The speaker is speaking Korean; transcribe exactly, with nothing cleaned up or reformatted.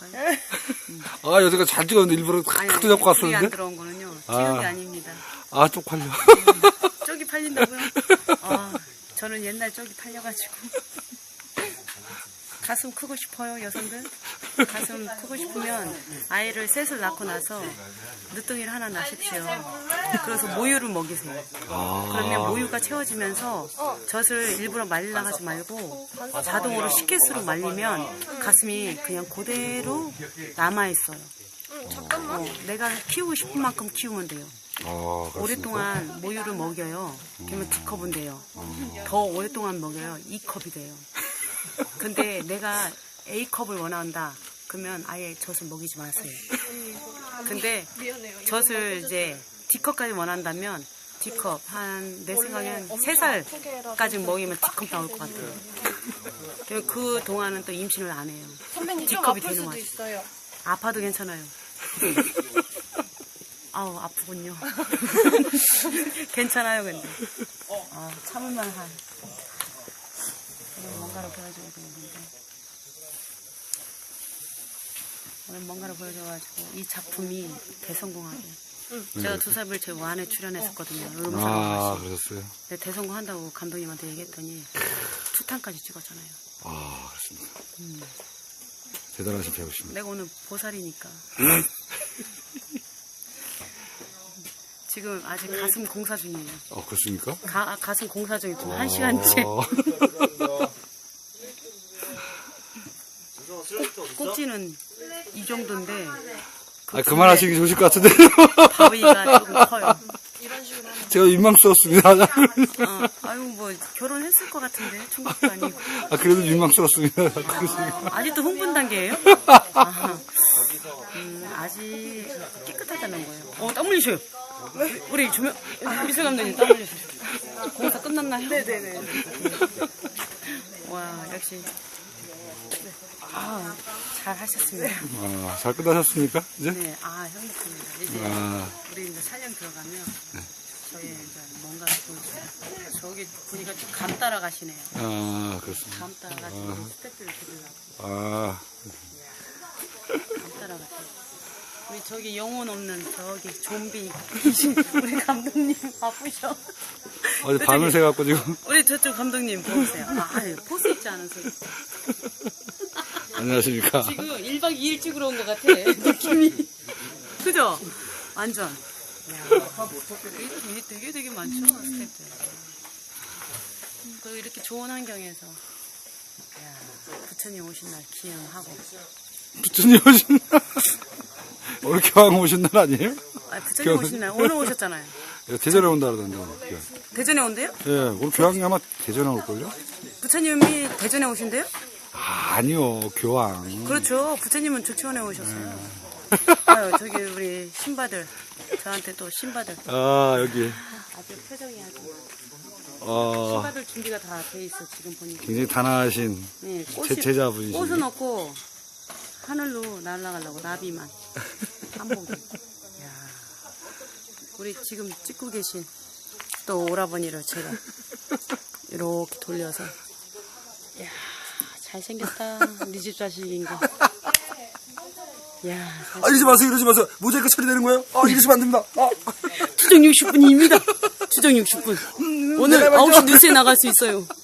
찍어볼까요? 음. 아, 여태가 잘 찍었는데 일부러 각도 잡고 불이 안 갔었는데? 들어온 거는요. 찍은 아. 게 아닙니다. 아, 쪽팔려. 쪽이 팔린다고요? 아, 저는 옛날 쪽이 팔려가지고. 가슴 크고 싶어요, 여성들? 가슴 크고 싶으면 아이를 셋을 낳고 나서 늦둥이를 하나 낳으십시오. 그래서 모유를 먹이세요. 아. 그러면 모유가 채워지면서 젖을 일부러 말리려 하지 말고 자동으로 식기수로 말리면 가슴이 그냥 그대로 남아있어요. 어, 내가 키우고 싶은 만큼 키우면 돼요. 아, 그렇습니까? 오랫동안 모유를 먹여요. 그러면 D컵은 돼요. 더 오랫동안 먹여요. E컵이 돼요. 근데 내가 A컵을 원한다. 그러면 아예 젖을 먹이지 마세요. 근데 젖을 이제 D컵까지 원한다면 D컵 한 내 생각엔 세 살까지 먹이면 D컵 나올 것 같아요. 그 동안은 또 임신을 안 해요. 선배님 좀 D컵이 아플 되는 수도 거예요. 있어요. 아파도 괜찮아요. 아우 아프군요. 괜찮아요 근데. 아, 참을만 한. 오늘 뭔가를 보여줘야 되는데. 오늘 뭔가를 보여줘가지고 이 작품이 대성공하게. 응. 제가 두 살을 제 완에 출연했었거든요. 아, 그러셨어요? 근데 대성공한다고 감독님한테 얘기했더니 투탕까지 찍었잖아요. 아, 그렇습니까? 음. 대단하신 배우십니다. 내가 오늘 보살이니까. 지금 아직 가슴 공사 중이에요. 어, 그렇습니까? 가, 가슴 공사 중이고 한 시간째. 꼭지는 이 정도인데. 그 아, 그만하시기 좋으실 것 같은데. 바위가 조금 커요. 제가 민망스럽습니다. 어, 아유 뭐 결혼했을 것 같은데 총각도 아니고. 아, 그래도 민망스럽습니다. 아, 아직도 흥분 단계예요? 아, 음, 아직 깨끗하다는 거예요. 어, 땀 흘리셔요. 우리 조명 미술 감독님 땀 흘리셔요. 공사 끝났나요? 네네네. 와 역시 아, 잘 하셨습니다. 아, 잘 끝나셨습니까? 이제? 네, 아 행복합니다. 이제 아. 우리 이제 촬영 들어가면 저희 이제 뭔가 보여줘요. 저기 보니까 좀 감 따라가시네요. 아, 그렇습니다. 감 따라가시고 스태프를 드리려고. 아, 감 따라가세요. 우리 저기 영혼 없는 저기 좀비 우리 감독님 바쁘셔. 어제 밤을 새갖고 지금. 우리 저쪽 감독님 보세요. 아, 아니, 포스 있지 않으세요? 안녕하십니까. 지금 일 박 이 일 찍으러 온 것 같아. 느낌이. 그죠? 완전. 야, 되게, 되게 되게 많죠, 스태프들. 또 이렇게 좋은 환경에서. 야, 부처님 오신 날 기행하고. 부처님 오신 날? 오늘 교황 오신 날 아니에요? 아, 부처님 오신 날 오늘 오셨잖아요. 대전에 온다 그러던데, 오늘. 대전에 온대요? 예, 오늘 교황이 아마 대전에 올걸요? 부처님이 대전에 오신대요? 아, 아니요, 교황. 그렇죠. 부처님은 조치원에 오셨어요. 아유, 저기 우리 신바들. 저한테 또 신바들. 아, 여기. 아주 표정이 아주. 어, 신바들 준비가 다 돼 있어, 지금 보니까. 굉장히 단아하신 네, 제, 제자분이시죠. 꽃은 없고, 하늘로 날아가려고, 나비만. 한복이. 야 우리 지금 찍고 계신 또 오라버니를 제가 이렇게 돌려서. 야 잘생겼다. 우리 집 자식인가. 야, 아, 이러지 마세요, 이러지 마세요. 모자이크 처리되는 거예요? 아, 이러시면 안 됩니다. 아. 추정 육십 분입니다. 추정 육십 분. 오늘 아홉 시 뉴스에 나갈 수 있어요.